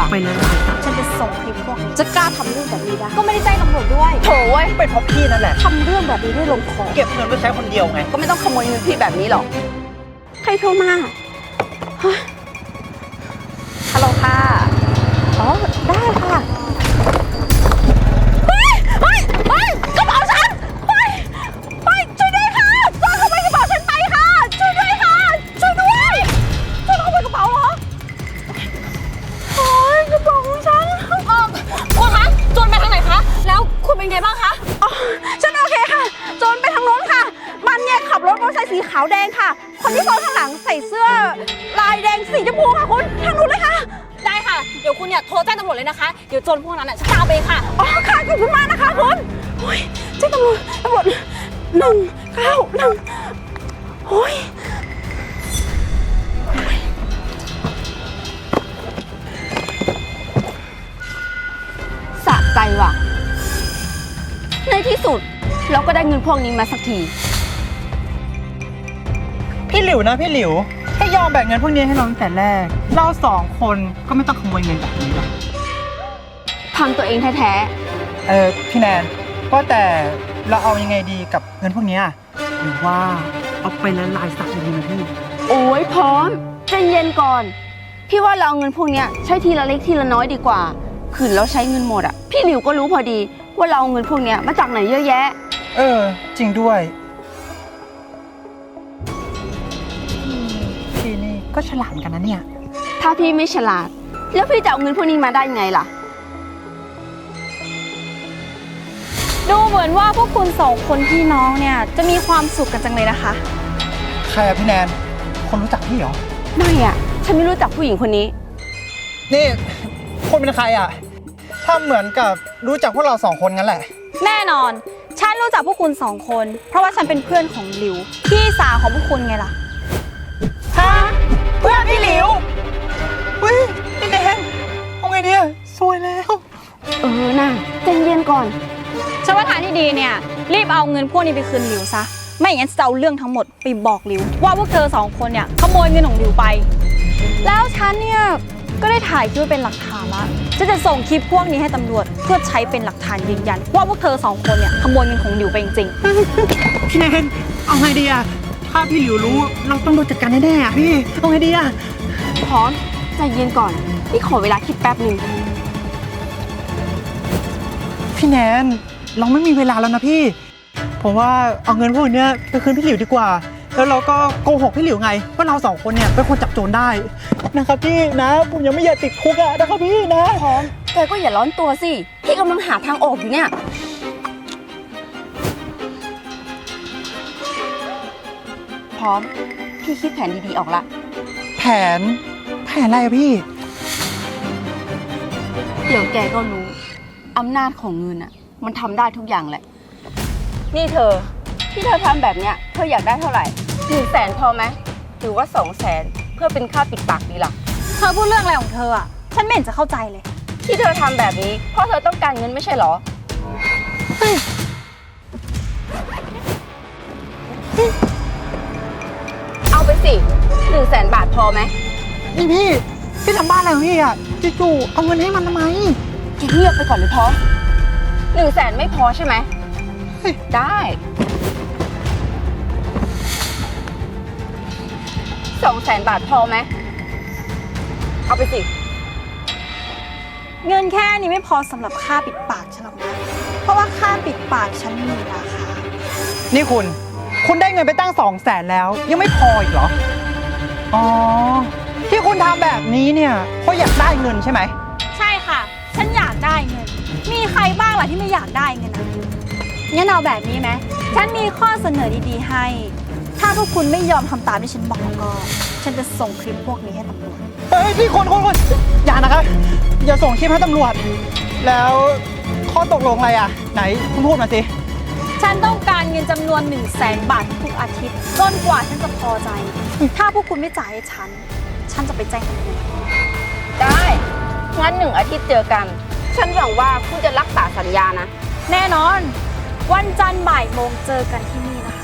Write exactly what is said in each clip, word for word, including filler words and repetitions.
ว่ะไปเลยฉันจะส่งคลิปพวกนี้จะกล้าทำเรื่องแบบนี้ได้ก็ไม่ได้แจ้งตำรวจด้วยโถเว้ยเป็นเพราะพี่นั่นแหละทำเรื่องแบบนี้ด้วยลมคอเก็บเงินไว้ใช้คนเดียวไงก็ไม่ต้องขโมยเงินพี่แบบนี้หรอกใครโทรมาฮัลโหลค่ะอ๋อได้ค่ะเฮ้ยเฮ้ยเฮ้ยกระเป๋าฉันเฮ้ยเฮ้ยช่วยด้วยค่ะโจรขโมยกระเป๋าฉันไปค่ะช่วยด้วยค่ะช่วยด้วยโจรขโมยกระเป๋าเหรอโอ้ยกระเป๋าของฉันเออคุณคะโจรไปทางไหนคะแล้วคุณเป็นไงบ้างคะอ๋อฉันโอเคค่ะโจรไปทางโน้นค่ะมันเนี่ยขับรถมอเตอร์ไซค์สีขาวแดงค่ะคนที่ซ้อนข้างหลังใส่เสื้อลายแดงสีชมพูค่ะคุณทางนู้นเลยค่ะได้ค่ะเดี๋ยวคุณเนี่ยโทรแจ้งตำรวจเลยนะคะเดี๋ยวโจรพวกนั้นน่ะจะตามไปค่ะอ๋อค่ะขอบคุณมากนะคะคุณโอ้ยแจ้งตำรวจตำรวจหนึ่งเก้าหนึ่งโอ้ยสะใจว่ะในที่สุดเราก็ได้เงินพวกนี้มาสักทีพี่หลิวนะพี่หลิวถ้ายอมแบ่งเงินพวกนี้ให้เราตั้งแต่แรกเราสองคนก็ไม่ต้องขโมยเงินแบบนี้หรอกทำตัวเองแท้ๆเออพี่แนนว่าแต่เราเอายังไงดีกับเงินพวกนี้หรือว่าเอาไปละลายสักดีไหมพี่โอ้ยพร้อมใจเย็นก่อนพี่ว่าเราเอาเงินพวกนี้ใช้ทีละเล็กทีละน้อยดีกว่าขืนเราใช้เงินหมดอ่ะพี่หลิวก็รู้พอดีว่าเราเอาเงินพวกนี้มาจากไหนเยอะแยะเออจริงด้วยพี่นี่ก็ฉลาดกันนะเนี่ยถ้าพี่ไม่ฉลาดแล้วพี่จะเอาเงินพวกนี้มาได้ยังไงล่ะดูเหมือนว่าพวกคุณสองคนพี่น้องเนี่ยจะมีความสุขกันจังเลยนะคะใครอะพี่แนนคนรู้จักพี่เหรอไม่อะฉันไม่รู้จักผู้หญิงคนนี้นี่คนเป็นใครอะถ้าเหมือนกับรู้จักพวกเราสองคนงั้นแหละแน่นอนฉันรู้จักพวกคุณสองคนเพราะว่าฉันเป็นเพื่อนของหลิวพี่สาวของพวกคุณไงล่ะฮะเพื่อนพี่หลิวเฮ้ยพี่แนนเอาไงดีสวยแล้วเออน่ะใจเย็นก่อนฉันว่าทางที่ดีเนี่ยรีบเอาเงินพวกนี้ไปคืนหลิวซะไม่อย่างนั้นจะเอาเรื่องทั้งหมดไปบอกหลิวว่าพวกเธอสองคนเนี่ยขโมยเงินของหลิวไปแล้วฉันเนี่ยก็ได้ถ่ายคลิปเป็นหลักฐานละฉันจะส่งคลิปพวกนี้ให้ตำรวจเพื่อใช้เป็นหลักฐานยืนยันว่าพวกเธอสองคนเนี่ยขโมยเงินของหลิวไปจริงๆพี่แนนเอาไงดีอะถ้าพี่หลิวรู้เราต้องโดนจัดการแน่ๆอะพี่เอาไงดีอะพร้อมใจเย็นก่อนพี่ขอเวลาคิดแป๊บหนึ่งพี่แนนเราไม่มีเวลาแล้วนะพี่ผมว่าเอาเงินพวกนี้ไปคืนพี่หลิวดีกว่าแล้วเราก็โกหกพี่หลิวไงว่าเราสองคนเนี่ยเป็นคนจับโจรได้นะครับพี่นะผมยังไม่อยากติดคุกอะนะครับพี่นะพร้อมแกก็อย่าร้อนตัวสิพี่กำลังหาทางออกอยู่เนี่ยพร้อมพี่คิดแผนดีๆออกละแผนแผนอะไรอะพี่เดี๋ยวแกก็รู้อำนาจของเงินอะมันทำได้ทุกอย่างแหละนี่เธอที่เธอทำแบบเนี้ยเธออยากได้เท่าไหร่หนึ่งแสนพอไหมหรือว่าสองแสนเพื่อเป็นค่าปิดปากดีล่ะเธอพูดเรื่องอะไรของเธออะฉันไม่เห็นจะเข้าใจเลยที่เธอทำแบบนี้เพราะเธอต้องการเงินไม่ใช่หรอเอาไปสิหนึ่งแสนบาทพอไหมนี่พี่พี่ทำบ้านอะไรของพี่อะจู่ๆเอาเงินให้มันทำไมเงียบไปก่อนเลยพร้อมหนึ่งแสนไม่พอใช่ไหมได้สองแสนบาทพอไหมเอาไปสิเงินแค่นี้ไม่พอสำหรับค่าปิดปากฉันหรอกนะเพราะว่าค่าปิดปากฉันมีราคานี่คุณคุณได้เงินไปตั้งสองแสนแล้วยังไม่พออีกเหรออ๋อที่คุณทำแบบนี้เนี่ยเพราะอยากได้เงินใช่ไหมใช่ค่ะฉันอยากได้เงินมีใครบ้างล่ะที่ไม่อยากได้เงินนะงั้นเอาแบบนี้ไหมฉันมีข้อเสนอดีๆให้ถ้าพวกคุณไม่ยอมทำตามที่ฉันบอกก็ฉันจะส่งคลิปพวกนี้ให้ตำรวจเฮ้ยพี่คนคนคนอย่านะครับอย่าส่งคลิปให้ตำรวจแล้วข้อตกลงอะไรอ่ะไหนคุณพูดมาสิฉันต้องการเงินจำนวนหนึ่งแสนบาททุกอาทิตย์จนกว่าฉันจะพอใจถ้าพวกคุณไม่จ่ายให้ฉันฉันจะไปแจ้งตำรวจได้งั้นหนึ่งอาทิตย์เจอกันฉันหวังว่าคุณจะรักษาสัญญานะแน่นอนวันจันทร์บ่ายโมงเจอกันที่นี่นะคะ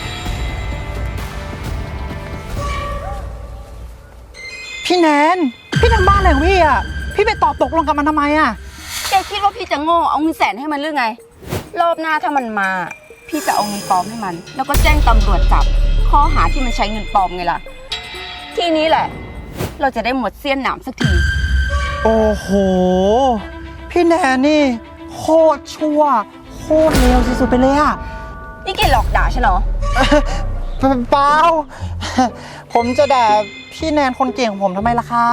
พี่แนนพี่ทำบ้านอะไรของพี่อ่ะพี่ไปตอบตกลงกับมันทำไมอ่ะแกคิดว่าพี่จะโง่เอาเงินแสนให้มันหรือไง รอบหน้าถ้ามันมา พี่จะเอาเงินปลอมให้มัน แล้วก็แจ้งตำรวจจับ ข้อหาที่มันใช้เงินปลอมไงล่ะ ทีนี้แหละ เราจะได้หมดเสี้ยนหนามสักทีโอ้โหพี่แนนนี่โคตรชั่วโคตรเลวสุดๆไปเลยอ่ะนี่แกหลอกด่าฉันเหรอเปล่าผมจะด่าพี่แนนคนเก่งของผมทำไมล่ะครับ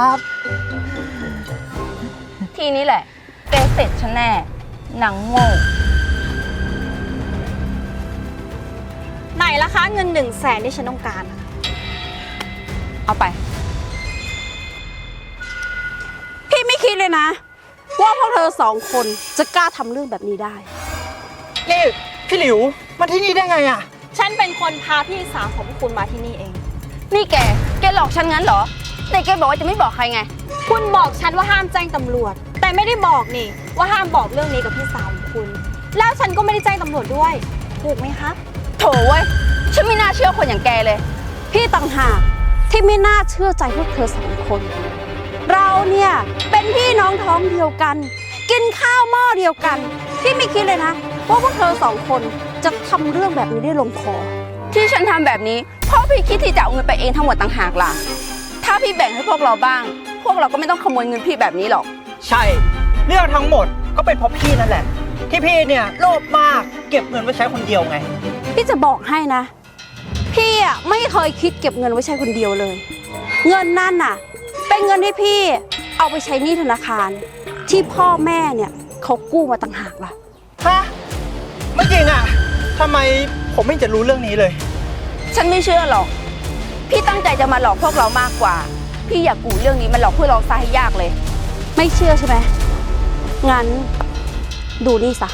ทีนี้แหละ แกเสร็จฉันแน่หนังโง่ไหนล่ะคะเงินหนึ่งแสนที่ฉันต้องการอะเอาไปพี่ไม่คิดเลยนะ ว่าพวกเธอสองคนจะกล้าทำเรื่องแบบนี้ได้นี่พี่หลิวมาที่นี่ได้ไงอ่ะฉันเป็นคนพาพี่สาวของพวกคุณมาที่นี่เองนี่แก แกหลอกฉันงั้นเหรอ แต่แกบอกว่าจะไม่บอกใครไงคุณบอกฉันว่าห้ามแจ้งตำรวจ แต่ไม่ได้บอกนี่ว่าห้ามบอกเรื่องนี้กับพี่สาวของคุณ แล้วฉันก็ไม่ได้แจ้งตำรวจด้วย ถูกไหมคะโถเว้ย ฉันไม่น่าเชื่อคนอย่างแกเลยพี่ต่างหากที่ไม่น่าเชื่อใจพวกเธอสองคน เราเนี่ยเป็นพี่น้องท้องเดียวกัน กินข้าวหม้อเดียวกัน พี่ไม่คิดเลยนะว่าพวกเธอสองคนจะทำเรื่องแบบนี้ได้ลงคอที่ฉันทำแบบนี้เพราะพี่คิดที่จะเอาเงินไปเองทั้งหมดต่างหากล่ะ ถ้าพี่แบ่งให้พวกเราบ้าง พวกเราก็ไม่ต้องขโมยเงินพี่แบบนี้หรอกใช่เรื่องทั้งหมดก็เป็นเพราะพี่นั่นแหละ ที่พี่เนี่ยโลภมากเก็บเงินไว้ใช้คนเดียวไงพี่จะบอกให้นะ พี่อ่ะไม่เคยคิดเก็บเงินไว้ใช้คนเดียวเลย เงินนั่นน่ะ เป็นเงินที่พี่เอาไปใช้หนี้ธนาคาร ที่พ่อแม่เนี่ยเขากู้มาต่างหากล่ะฮะไม่จริงอ่ะทำไมผมไม่จะรู้เรื่องนี้เลยฉันไม่เชื่อหรอก พี่ตั้งใจจะมาหลอกพวกเรามากกว่า พี่อยากกูเรื่องนี้มันหลอกพวกเราซะให้ยากเลยไม่เชื่อใช่ไหมงั้นดูนี่ซะ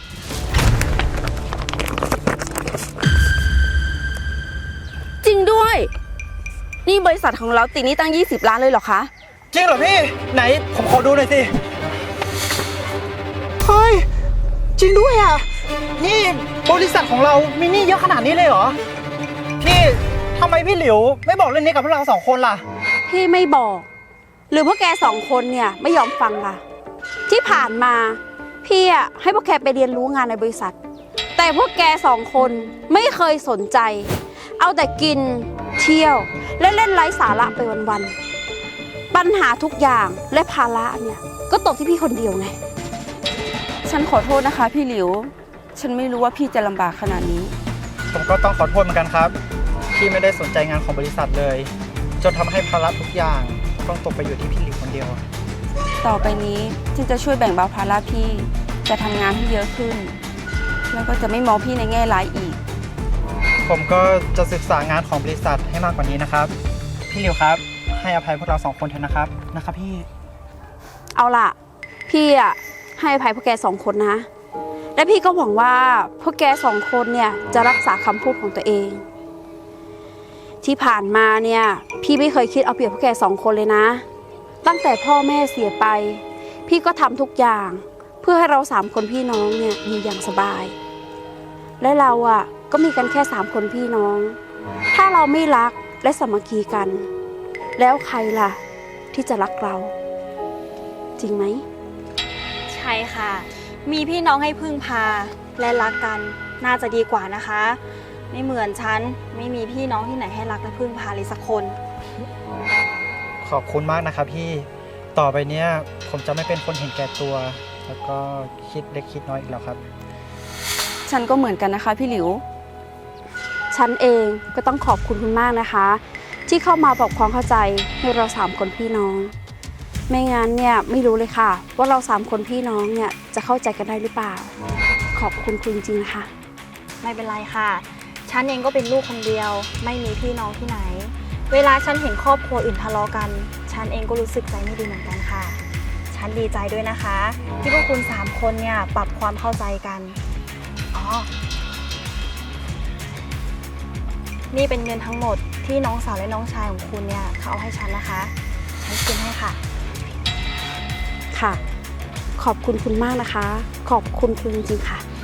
จริงด้วย นี่บริษัทของเราติดหนี้ตั้งยี่สิบล้านเลยเหรอคะจริงเหรอพี่ ไหนผมขอดูหน่อยสิ เฮ้ย จริงด้วยอ่ะ นี่บริษัทของเรามีหนี้เยอะขนาดนี้เลยเหรอ พี่ทำไมพี่หลิวไม่บอกเรื่องนี้กับพวกเราสองคนล่ะพี่ไม่บอก หรือพวกแกสองคนเนี่ยไม่ยอมฟังล่ะ ที่ผ่านมาพี่อ่ะให้พวกแกไปเรียนรู้งานในบริษัท แต่พวกแกสองคนไม่เคยสนใจ เอาแต่กินเที่ยวและเล่นไร้สาระไปวันๆปัญหาทุกอย่างและภาระเนี่ยก็ตกที่พี่คนเดียวไงฉันขอโทษนะคะพี่หลิว ฉันไม่รู้ว่าพี่จะลำบากขนาดนี้ผมก็ต้องขอโทษเหมือนกันครับ ที่ไม่ได้สนใจงานของบริษัทเลย จนทำให้ภาระทุกอย่างต้องตกไปอยู่ที่พี่หลิวคนเดียวต่อไปนี้ฉันจะช่วยแบ่งเบาภาระพี่ จะทำงานให้เยอะขึ้น แล้วก็จะไม่มองพี่ในแง่ร้ายอีกผมก็จะศึกษางานของบริษัทให้มากกว่านี้นะครับ พี่หลิวครับ ให้อภัยพวกเราสองคนเถอะนะครับ นะครับพี่เอาล่ะ พี่อ่ะให้อภัยพวกแกสองคนนะ และพี่ก็หวังว่าพวกแกสองคนเนี่ยจะรักษาคำพูดของตัวเอง ที่ผ่านมาเนี่ยพี่ไม่เคยคิดเอาเปรียบพวกแกสองคนเลยนะ ตั้งแต่พ่อแม่เสียไป พี่ก็ทำทุกอย่างเพื่อให้เราสามคนพี่น้องเนี่ยอยู่อย่างสบาย และเราอ่ะก็มีกันแค่สามคนพี่น้อง ถ้าเราไม่รักและสามัคคีกัน แล้วใครล่ะที่จะรักเรา จริงไหมใช่ค่ะ มีพี่น้องให้พึ่งพาและรักกันน่าจะดีกว่านะคะ ไม่เหมือนฉันไม่มีพี่น้องที่ไหนให้รักและพึ่งพาเลยสักคนขอบคุณมากนะครับพี่ ต่อไปเนี้ยผมจะไม่เป็นคนเห็นแก่ตัว แล้วก็คิดเล็กคิดน้อยอีกแล้วครับฉันก็เหมือนกันนะคะพี่หลิวฉันเองก็ต้องขอบคุณคุณมากนะคะ ที่เข้ามาบอกความเข้าใจให้เราสามคนพี่น้อง ไม่งั้นเนี่ยไม่รู้เลยค่ะ ว่าเราสามคนพี่น้องเนี่ยจะเข้าใจกันได้หรือเปล่า ขอบคุณคุณจริงๆนะคะไม่เป็นไรค่ะ ฉันเองก็เป็นลูกคนเดียว ไม่มีพี่น้องที่ไหน เวลาฉันเห็นครอบครัวอื่นทะเลาะกัน ฉันเองก็รู้สึกใจไม่ดีเหมือนกันค่ะ ฉันดีใจด้วยนะคะ ที่พวกคุณสามคนเนี่ยปรับความเข้าใจกันอ๋อนี่เป็นเงินทั้งหมดที่น้องสาวและน้องชายของคุณเนี่ยเขาเอาให้ฉันนะคะ ฉันคืนให้ค่ะค่ะ ขอบคุณคุณมากนะคะ ขอบคุณคุณจริงๆค่ะ